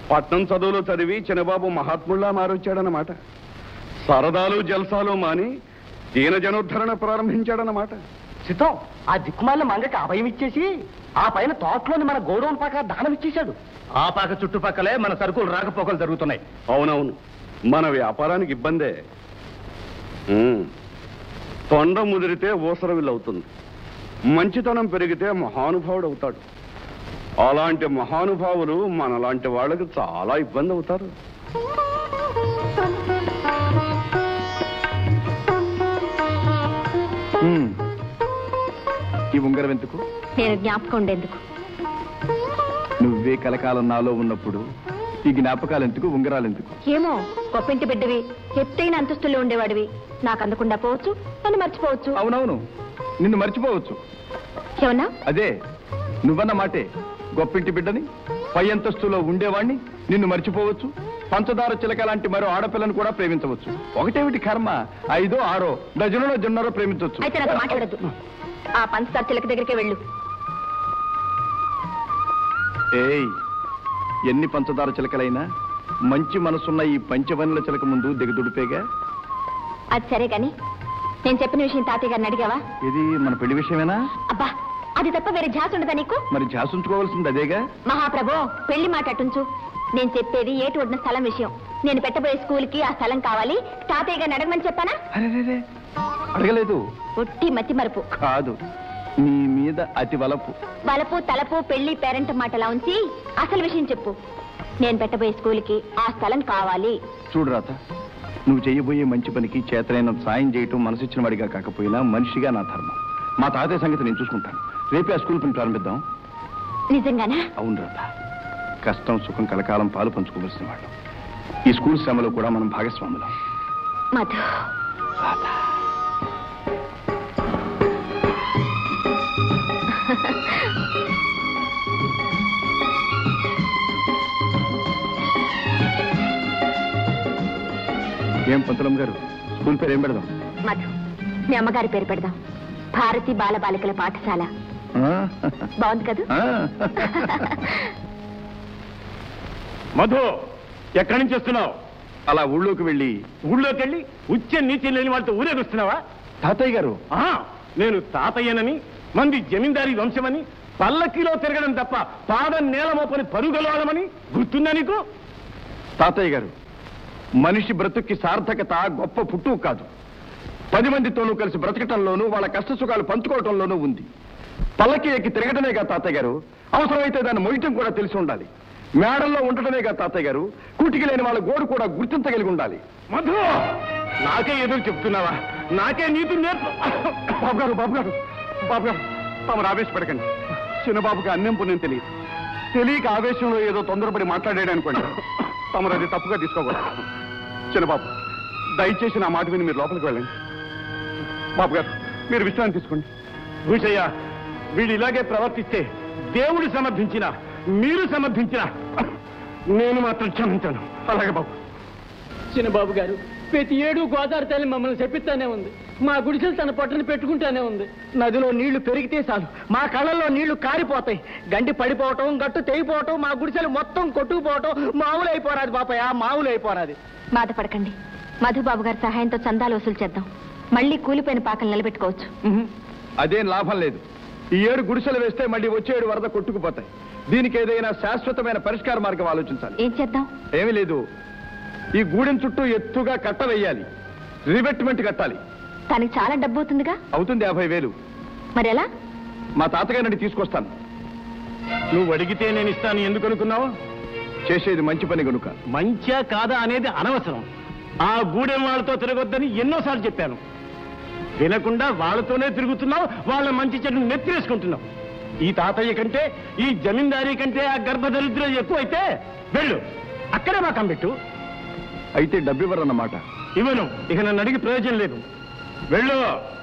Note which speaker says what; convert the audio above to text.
Speaker 1: పట్నం చదువులు చదివి చిన్నబాబు మహాత్ముల్లా మారొచ్చాడన్నమాట. సరదాలు జల్సాలు మాని దీన జనోద్ధరణ ప్రారంభించాడన్నమాట.
Speaker 2: సిద్ధం ఆ దిక్కుమాల మంగకి అభయం ఇచ్చేసి ఆ పైన తోటలోని మన గోడౌన్ పాక దానం ఇచ్చేశాడు. ఆ పాక చుట్టుపక్కలే మన సరుకులు రాకపోకలు జరుగుతున్నాయి.
Speaker 1: అవునవును, మన వ్యాపారానికి ఇబ్బందే. తొండ ముదిరితే ఊసరవిల్లవుతుంది, మంచితనం పెరిగితే మహానుభావుడు అవుతాడు. అలాంటి మహానుభావులు మనలాంటి వాళ్ళకి చాలా ఇబ్బంది అవుతారు.
Speaker 3: ఈ ఉంగరం ఎందుకు?
Speaker 4: నేను జ్ఞాపకం ఉండేందుకు.
Speaker 3: నువ్వే కలకాలం నాలో ఉన్నప్పుడు ఈ జ్ఞాపకాలు ఎందుకు, ఉంగరాలు ఎందుకు?
Speaker 4: ఏమో, గొప్పింటి బిడ్డవి, ఎత్తైన అంతస్తుల్లో ఉండేవాడివి. నాకు అందకుండా పోవచ్చు, నన్ను మర్చిపోవచ్చు.
Speaker 3: అవునవును, నిన్ను మర్చిపోవచ్చు.
Speaker 4: ఏమన్నా?
Speaker 3: అదే నువ్వన్న మాటే. గొప్పింటి బిడ్డని, పై అంతస్తులో ఉండేవాణ్ణి, నిన్ను మర్చిపోవచ్చు. పంచదార చిలక లాంటి మరో ఆడపిల్లను కూడా ప్రేమించవచ్చు. ఒకటేమిటి కర్మ, 5, 6 డజనులో జొన్నరో ప్రేమించవచ్చు.
Speaker 4: అయితే నాకు మాట్లాడద్దు. ఆ పంచదార చిలక దగ్గరికి వెళ్ళు.
Speaker 3: ఏయ్, ఎన్ని పంచదార చిలకలైనా మంచి మనసున్న ఈ పంచవనుల చిలక ముందు దిగదుడిపేగా.
Speaker 4: అది సరే గాని నేను చెప్పిన విషయం తాతయ్య గారిని అడిగావా?
Speaker 3: ఇది మన పెళ్లి విషయమేనా?
Speaker 4: అబ్బా, అది తప్ప వేరే ఝాస్ ఉండదా నీకు?
Speaker 3: మరి ఝాస్ ఉంచుకోవాల్సింది అదేగా.
Speaker 4: మహాప్రభో, పెళ్లి మాట అటుంచు. నేను చెప్పేది ఏటి ఒడిన స్థలం విషయం. నేను పెట్టబోయే స్కూల్కి ఆ స్థలం కావాలి. తాతయ్య గారిని అడగమని చెప్పానా?
Speaker 3: అరే, అడగలేదు.
Speaker 4: ఒట్టి మతి మరుపు
Speaker 3: కాదు, నీ మీద అతి వలపు.
Speaker 4: వలపు తలపు పెళ్లి పేరెంట్ మాటలా ఉంచి అసలు విషయం చెప్పు. నేను పెట్టబోయే స్కూల్కి ఆ స్థలం కావాలి.
Speaker 3: చూడు రాత, నువ్వు చేయబోయే మంచి పనికి చేతనైన సాయం చేయటం మనసిచ్చిన వాడిగా కాకపోయినా మనిషిగా నా ధర్మం. మా తాతయ్య సంగతి నేను చూసుకుంటాను. రేపే ఆ స్కూల్ పని ప్రారంభిద్దాం.
Speaker 4: నిజంగానా?
Speaker 3: అవును రాత, కష్టం సుఖం కలకాలం పాలు పంచుకోవలసిన వాళ్ళు. ఈ స్కూల్ శ్రమలో కూడా మనం భాగస్వాములం.
Speaker 4: మధు,
Speaker 3: ఏం పంతులం గారు, స్కూల్ పేరు ఏం పెడదాం?
Speaker 4: మధు, మీ అమ్మగారి పేరు పెడదాం. భారతి బాల బాలికల పాఠశాల. బాగుంది కదా?
Speaker 2: మధు, ఎక్కడి నుంచి వస్తున్నావు?
Speaker 3: అలా ఊళ్ళోకి వెళ్ళి
Speaker 2: ఉచ్చ నీతి లేని వాళ్ళతో ఊరేగొస్తున్నావా?
Speaker 3: తాతయ్య గారు,
Speaker 2: నేను తాతయ్యనని, మంది జమీందారీ వంశమని, పల్లకిలో తిరగడం తప్ప పాదం నేల మోపని పరుగలవడమని గుర్తుందా నీకు?
Speaker 3: తాతయ్య గారు, మనిషి బ్రతుక్కి సార్థకత గొప్ప పుట్టుకు కాదు, 10 మందితోనూ కలిసి బ్రతకటంలోనూ వాళ్ళ కష్ట సుఖాలు పంచుకోవటంలోనూ ఉంది. పల్లకి ఎక్కి తిరగటమేగా తాతయ్య గారు, అవసరమైతే దాన్ని మొయ్యటం కూడా తెలిసి ఉండాలి. మేడల్లో ఉండటమేగా తాతయ్య గారు, కూటికి లేని వాళ్ళ గోడు కూడా గుర్తించగలిగి ఉండాలి.
Speaker 2: మధు, నాకే ఎదురు చెప్తున్నావా? నాకే నీతి నేర్పు.
Speaker 1: బాబు గారు తమరు ఆవేశపడకండి. చిన్నబాబుకి అన్నం పుణ్యం తెలియక ఆవేశంలో ఏదో తొందరపడి మాట్లాడాడు అనుకోండి. తమరు అది తప్పుగా తీసుకోకూడదు. చిన్నబాబు, దయచేసి నా మాట విని మీరు లోపలికి వెళ్ళండి. బాబు గారు, మీరు విశ్రాంతి తీసుకోండి.
Speaker 2: భూషయ్య, వీడు ఇలాగే ప్రవర్తిస్తే దేవుడు సమర్థించినా మీరు సమర్థించినా నేను మాత్రం క్షమించాను.
Speaker 1: అలాగే బాబు.
Speaker 5: చిన్నబాబు గారు, ప్రతి ఏడు గోదావరి తల్లి మమ్మల్ని చెప్పిస్తానే ఉంది. మా గుడిసెలు తన పొట్టని పెట్టుకుంటానే ఉంది. నదిలో నీళ్లు పెరిగితే చాలు మా కళ్ళల్లో నీళ్లు కారిపోతాయి. గండి పడిపోవటం, గట్టు తెగిపోవటం, మా గుడిసెలు మొత్తం కొట్టుకుపోవటం మామూలు అయిపోరాది బాపయ్య, మామూలు అయిపోరాది.
Speaker 4: బాధపడకండి. మధుబాబు గారి సహాయంతో చందాలు వసూలు చేద్దాం. మళ్ళీ కూలిపోయిన పాకలు నిలబెట్టుకోవచ్చు.
Speaker 3: అదేం లాభం లేదు. ఈ ఏడు గుడిసెలు వేస్తే మళ్ళీ వచ్చే ఏడు వరద కొట్టుకుపోతాయి. దీనికి ఏదైనా శాశ్వతమైన పరిష్కార మార్గం ఆలోచించాలి.
Speaker 4: ఏం చేద్దాం?
Speaker 3: ఏమీ లేదు, ఈ గూడెం చుట్టూ ఎత్తుగా కట్ట వేయాలి, రిబెట్మెంట్ కట్టాలి.
Speaker 4: దానికి చాలా డబ్బు అవుతుందిగా.
Speaker 3: అవుతుంది, 50,000.
Speaker 4: మరి ఎలా?
Speaker 3: మా తాతగారిని తీసుకొస్తాను.
Speaker 2: నువ్వు అడిగితే నేను ఇస్తాను. ఎందుకు అనుకున్నావు?
Speaker 3: చేసేది మంచి పని కనుక.
Speaker 2: మంచా కాదా అనేది అనవసరం. ఆ గూడెం వాళ్ళతో తిరగొద్దని ఎన్నోసార్లు చెప్పాను. వినకుండా వాళ్ళతోనే తిరుగుతున్నావు. వాళ్ళ మంచి చెడు నెత్తిరేసుకుంటున్నావు. ఈ తాతయ్య కంటే, ఈ జమీందారీ కంటే ఆ గర్భదరిద్రం ఎక్కువైతే వెళ్ళు, అక్కడే మాకం పెట్టు.
Speaker 3: అయితే డబ్బు ఇవ్వరన్నమాట.
Speaker 2: ఇవ్వను. ఇక నన్ను అడిగి ప్రయోజనం లేదు. వెళ్ళు.